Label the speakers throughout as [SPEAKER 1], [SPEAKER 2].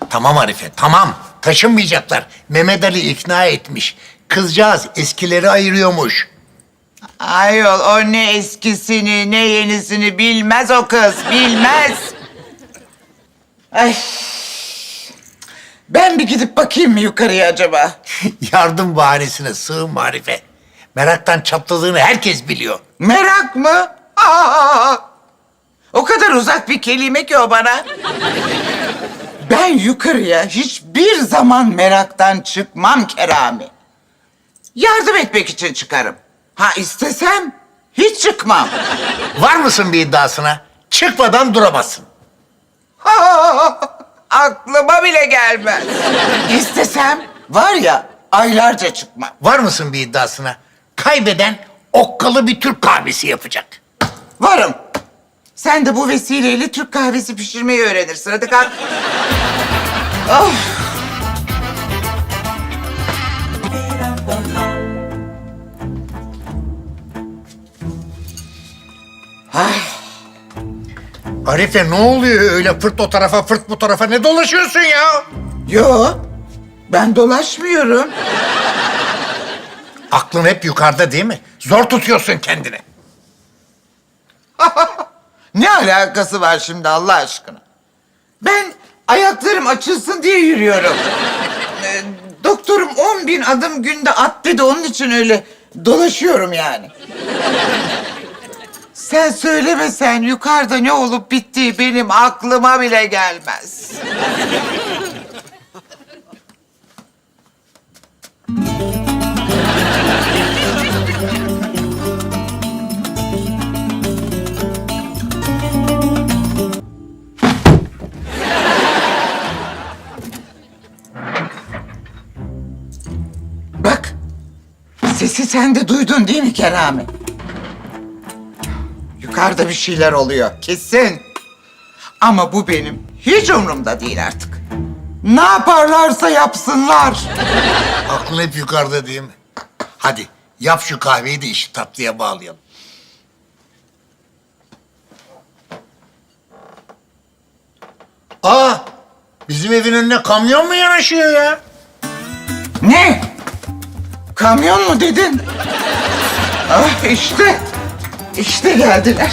[SPEAKER 1] Tamam Arife, tamam. Taşınmayacaklar. Mehmet Ali ikna etmiş. Kızcağız eskileri ayırıyormuş.
[SPEAKER 2] Ayol o ne eskisini ne yenisini bilmez o kız, bilmez. Ay. Ben bir gidip bakayım mı yukarıya acaba?
[SPEAKER 1] Yardım bahanesine sığınma Arife. Meraktan çatladığını herkes biliyor.
[SPEAKER 2] Merak mı? Aa! O kadar uzak bir kelime ki o bana. Ben yukarıya hiçbir zaman meraktan çıkmam Kerami. Yardım etmek için çıkarım. Ha istesem hiç çıkmam.
[SPEAKER 1] Var mısın bir iddiasına? Çıkmadan duramazsın.
[SPEAKER 2] Aklıma bile gelmez. İstesem var ya aylarca çıkmam.
[SPEAKER 1] Var mısın bir iddiasına? Kaybeden okkalı bir Türk kahvesi yapacak.
[SPEAKER 2] Varım. Sen de bu vesileyle Türk kahvesi pişirmeyi öğrenirsin. Hadi kalk. Of.
[SPEAKER 1] Arife ne oluyor öyle fırt o tarafa fırt bu tarafa ne dolaşıyorsun ya?
[SPEAKER 2] Yo, ben dolaşmıyorum.
[SPEAKER 1] Aklın hep yukarıda değil mi? Zor tutuyorsun kendini.
[SPEAKER 2] Ne alakası var şimdi Allah aşkına? Ben ayaklarım açılsın diye yürüyorum. Doktorum 10.000 adım günde at dedi, onun için öyle dolaşıyorum yani. Sen söylemesen yukarıda ne olup bittiği benim aklıma bile gelmez. Bak, sesi sen de duydun değil mi Kerami? Yukarıda bir şeyler oluyor, kesin. Ama bu benim hiç umurumda değil artık. Ne yaparlarsa yapsınlar.
[SPEAKER 1] Aklın hep yukarıda değil mi? Hadi yap şu kahveyi de işi tatlıya bağlayalım. Aa, bizim evin önüne kamyon mu yanaşıyor ya?
[SPEAKER 2] Ne? Kamyon mu dedin? Ah işte. İşte geldiler.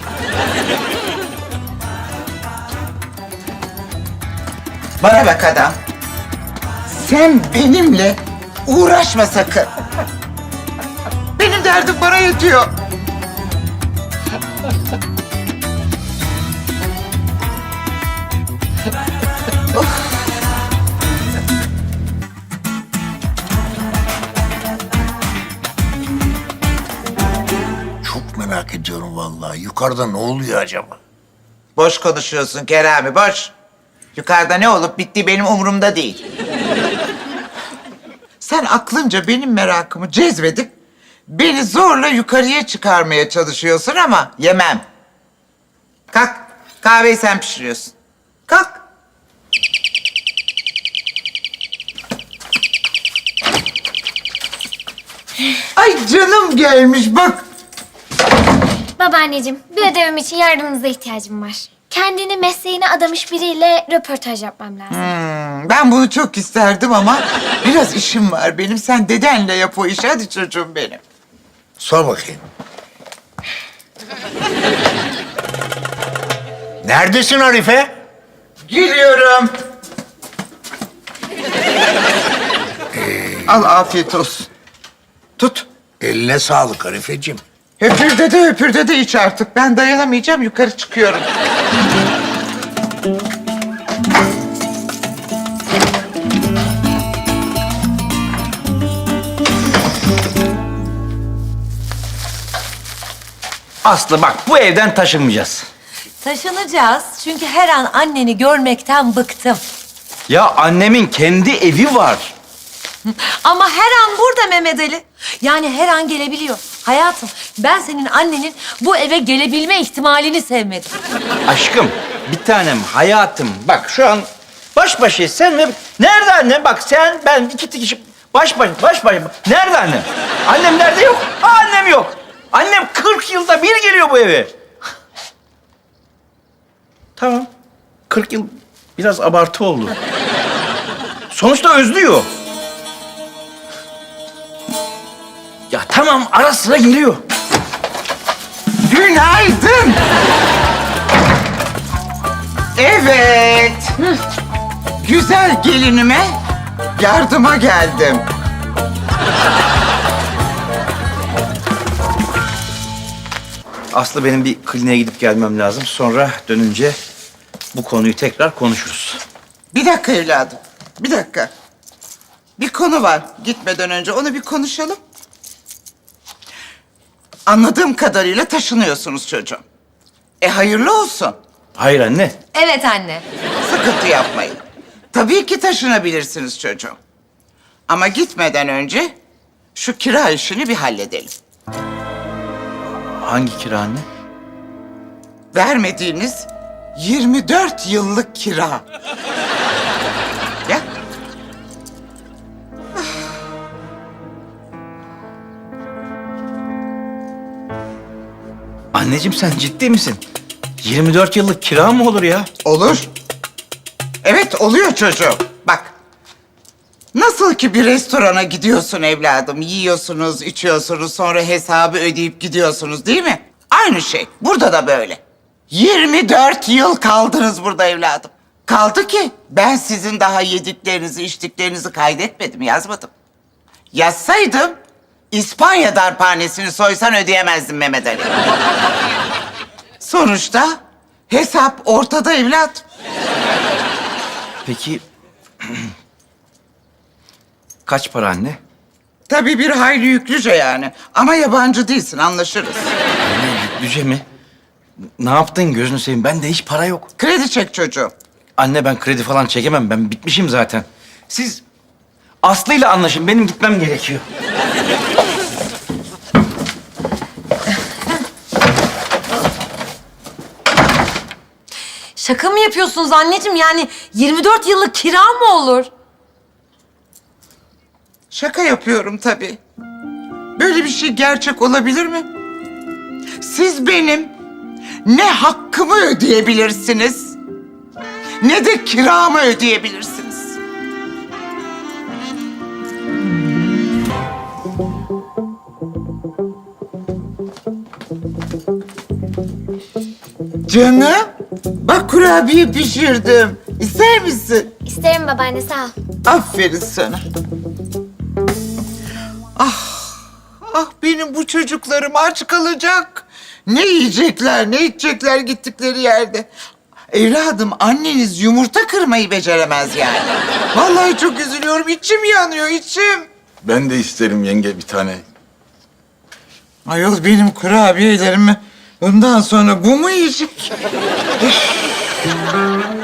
[SPEAKER 2] Bana bak adam. Sen benimle uğraşma sakın. Benim derdim bana yetiyor.
[SPEAKER 1] Çok merak ediyorum vallahi. Yukarıda ne oluyor acaba?
[SPEAKER 2] Boş konuşuyorsun Kerami, boş. Yukarıda ne olup bittiği benim umurumda değil. Sen aklınca benim merakımı cezbedip beni zorla yukarıya çıkarmaya çalışıyorsun ama yemem. Kalk, kahveyi sen pişiriyorsun. Kalk. Ay canım gelmiş bak.
[SPEAKER 3] Babaanneciğim, bir ödevim için yardımınıza ihtiyacım var. Kendini mesleğine adamış biriyle röportaj yapmam lazım.
[SPEAKER 2] Ben bunu çok isterdim ama biraz işim var benim. Sen dedenle yap o işi. Hadi çocuğum benim.
[SPEAKER 1] Sor bakayım. Neredesin Arife?
[SPEAKER 2] Geliyorum. Al afiyet olsun. Tut.
[SPEAKER 1] Eline sağlık Arifeciğim.
[SPEAKER 2] Höpürde de iç artık. Ben dayanamayacağım, yukarı çıkıyorum.
[SPEAKER 4] Aslı bak bu evden taşınmayacağız.
[SPEAKER 5] Taşınacağız çünkü her an anneni görmekten bıktım.
[SPEAKER 4] Ya annemin kendi evi var.
[SPEAKER 5] Ama her an burada Mehmet Ali. Yani her an gelebiliyor. Hayatım, ben senin annenin bu eve gelebilme ihtimalini sevmedim.
[SPEAKER 4] Aşkım, bir tanem, hayatım. Bak şu an baş başayız sen ve... Nerede annem? Bak sen, ben iki kişi baş başa. Nerede annem? Annem nerede? Yok. Annem yok. Annem 40 yılda bir geliyor bu eve. Tamam. 40 yıl biraz abartı oldu. Sonuçta özlüyor. Ya tamam, ara sıra geliyor.
[SPEAKER 2] Günaydın. Evet. Güzel gelinime yardıma geldim.
[SPEAKER 4] Aslı, benim bir kliniğe gidip gelmem lazım. Sonra dönünce bu konuyu tekrar konuşuruz.
[SPEAKER 2] Bir dakika evladım. Bir dakika. Bir konu var. Gitmeden önce onu bir konuşalım. Anladığım kadarıyla taşınıyorsunuz çocuğum. Hayırlı olsun.
[SPEAKER 4] Hayır anne.
[SPEAKER 5] Evet anne.
[SPEAKER 2] Sıkıntı yapmayın. Tabii ki taşınabilirsiniz çocuğum. Ama gitmeden önce şu kira işini bir halledelim.
[SPEAKER 4] Hangi kira anne?
[SPEAKER 2] Vermediğiniz 24 yıllık kira. Ya.
[SPEAKER 4] Anneciğim, sen ciddi misin? 24 yıllık kira mı olur ya?
[SPEAKER 2] Olur. Evet, oluyor çocuğum. Bak. Nasıl ki bir restorana gidiyorsun evladım, yiyorsunuz, içiyorsunuz, sonra hesabı ödeyip gidiyorsunuz, değil mi? Aynı şey. Burada da böyle. 24 yıl kaldınız burada evladım. Kaldı ki ben sizin daha yediklerinizi, içtiklerinizi kaydetmedim, yazmadım. Yazsaydım İspanya darphanesini soysan ödeyemezdim Mehmet Ali. Sonuçta hesap ortada evladım.
[SPEAKER 4] Peki kaç para anne?
[SPEAKER 2] Tabii bir hayli yüklüce yani. Ama yabancı değilsin, anlaşırız.
[SPEAKER 4] Anne, yüklüce mi? Ne yaptın gözünü seveyim? Bende hiç para yok.
[SPEAKER 2] Kredi çek çocuğum.
[SPEAKER 4] Anne, ben kredi falan çekemem. Ben bitmişim zaten. Siz Aslı'yla anlaşın. Benim gitmem gerekiyor.
[SPEAKER 5] Şaka mı yapıyorsunuz anneciğim? Yani 24 yıllık kira mı olur?
[SPEAKER 2] Şaka yapıyorum tabii. Böyle bir şey gerçek olabilir mi? Siz benim ne hakkımı ödeyebilirsiniz, ne de kiramı ödeyebilirsiniz. Canım, bak kurabiye pişirdim. İster misin?
[SPEAKER 3] İsterim babaanne, sağ ol.
[SPEAKER 2] Aferin sana. Ah benim bu çocuklarım aç kalacak. Ne yiyecekler, ne içecekler gittikleri yerde. Evladım, anneniz yumurta kırmayı beceremez yani. Vallahi çok üzülüyorum, içim yanıyor, içim.
[SPEAKER 6] Ben de isterim yenge bir tane.
[SPEAKER 2] Ayol, benim kurabiyelerimi bundan sonra bu mu yiyecek?